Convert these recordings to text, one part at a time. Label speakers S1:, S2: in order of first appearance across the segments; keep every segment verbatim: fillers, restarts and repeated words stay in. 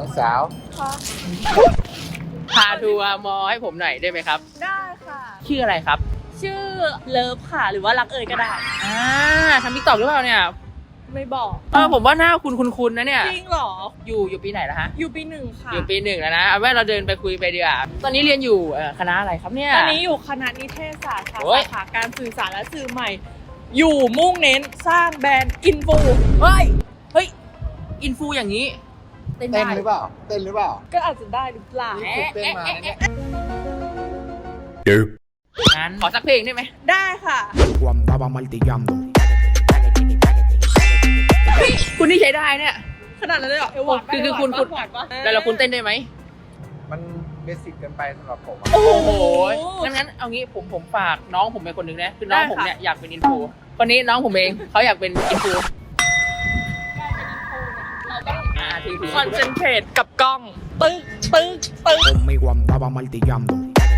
S1: น้องสาว
S2: ค่ะ
S3: พาทัวร์มอให้ผมหน่อยได้ไหมครับ
S2: ได้ค่ะ
S3: ชื่ออะไรครับ
S2: ชื่อเลิฟค่ะ หรือว่ารักเอ่ยก็ได้
S3: อ่าทำติ๊กต็อกหรือเปล่าเนี่ย
S2: ไม่บอก
S3: เออผมว่าหน้าคุณคุณนะเนี่ย
S2: จริงเหรอ
S3: อยู่อยู่ปีไหนแล้วฮะ
S2: อยู่ปีหนึ่งค่ะ
S3: อยู่ปีหนึ่งแล้วนะเอาไว้เราเดินไปคุยไปดีกว่าตอนนี้เรียนอยู่เอ่อคณะอะไรครับเนี่ย
S2: ตอนนี้อยู่คณะนิเทศศาสตร์ค่ะ
S3: โอ้ย
S2: สาขาการสื่อสารและสื่อใหม่ อยู่มุ่งเน้นสร้างแบรนด์อินฟู
S3: เฮ้ย เฮ้ย อินฟูอย่างนี้ เต้น
S1: เต้น
S3: ได้
S1: หรือเปล่าเต้นหรือเปล่า
S2: ก็อาจจะได้หรือเปล่า
S1: นี่ฝึกเต้นมาเนี่ย
S3: งั้นขอสักเพลงได้ไหม
S2: ได้ค่ะ
S4: Yo andaba martillando.
S3: คุณนี่ใช้ได้เนี่ย
S2: ขนาดนั้นเลยเหรอเอวหวานปะ
S3: คือคือคุณ
S2: เอ
S3: คุณ
S2: วหวานปะ
S3: แล้วเราคุณเต้นได้ไหม
S1: มันเบสิกเกินไปสำหรับผมอะ
S2: โอ้โห
S3: โอ้โหงั้นงั้นเอางี้ผมผมฝากน้องผมเป็นคนหนึ่งนะคือน้อง
S2: ได้ค่ะ
S3: ผมเนี่ยอยากเป็นอินฟูคนนี้น้องผมเองเขาอยากเป็นอินฟูอ่าถือถือ
S2: คอนเซนเทรตกับกล้อง ตึ๊กตึ๊กตึ๊ก
S4: Conmigo andaba martillando.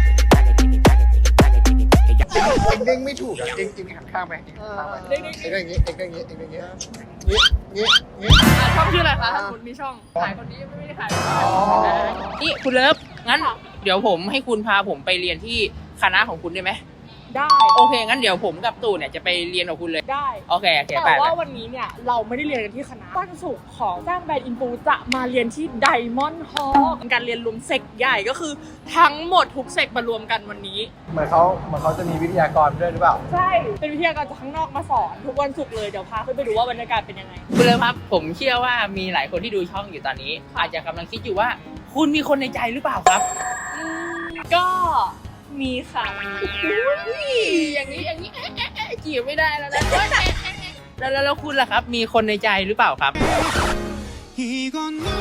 S1: เอ็งเด้งไม่ถูกอะเอ็งเอ็งหันข้างไปเอ็งหันข้างไป
S2: เด้งๆ
S1: เอ็งเด้งอย่างงี้เอ็งเด้งอย่างงี้เอ็งเด้งอย่างงี้งี้งี้งี้
S2: อ่ะช่องชื่ออะไรคะถ้าคุณมีช่อง
S3: ขายคนนี้ไม่ได้ขาย
S1: อ๋อ
S3: นี่คุณเลิฟงั้น
S2: ค่ะ
S3: เดี๋ยวผมให้คุณพาผมไปเรียนที่คณะของคุณได้ไหม
S2: ได้
S3: โอเคงั้นเดี๋ยวผมกับตู่เนี่ยจะไปเรียนกับคุณเลย
S2: ได้
S3: โอเคโอเค
S2: แต่
S3: ไปไป
S2: ว่าวันนี้เนี่ยเราไม่ได้เรียนกันที่คณะวันศุกร์ของสร้างแบรนด์อินฟูจะมาเรียนที่ไดมอนด์ฮอลล์เป็นการเรียนรวมเซกใหญ่ก็คือทั้งหมดทุกเซกมารวมกันวันนี้
S1: เหมือนเขาเหมือนเขาจะมีวิทยากรด้วยหรือเปล่า
S2: ใช่ เป็นวิทยากรจากข้างนอกมาสอนทุกวันศุกร์เลย เดี๋ยวพาขึ้นไปดูว่าบรรยากาศเป็นยังไง
S3: คุณเลิฟครับผมเชื่อว่ามีหลายคนที่ดูช่องอยู่ตอนนี้ อาจจะกำลังคิดอยู่ว่า คุณมีคนในใจหรือเปล่าครับ
S2: อืมก็มีค่ะ
S3: อุ้ยอย่างนี้อย่างนี้เอ๊ะเอ๊ะเอ๊ะจีบไม่ได้แล้วนะแล้วแล้วแล้วคุณล่ะครับ มีคนในใจหรือเปล่าครับ
S4: 이건 너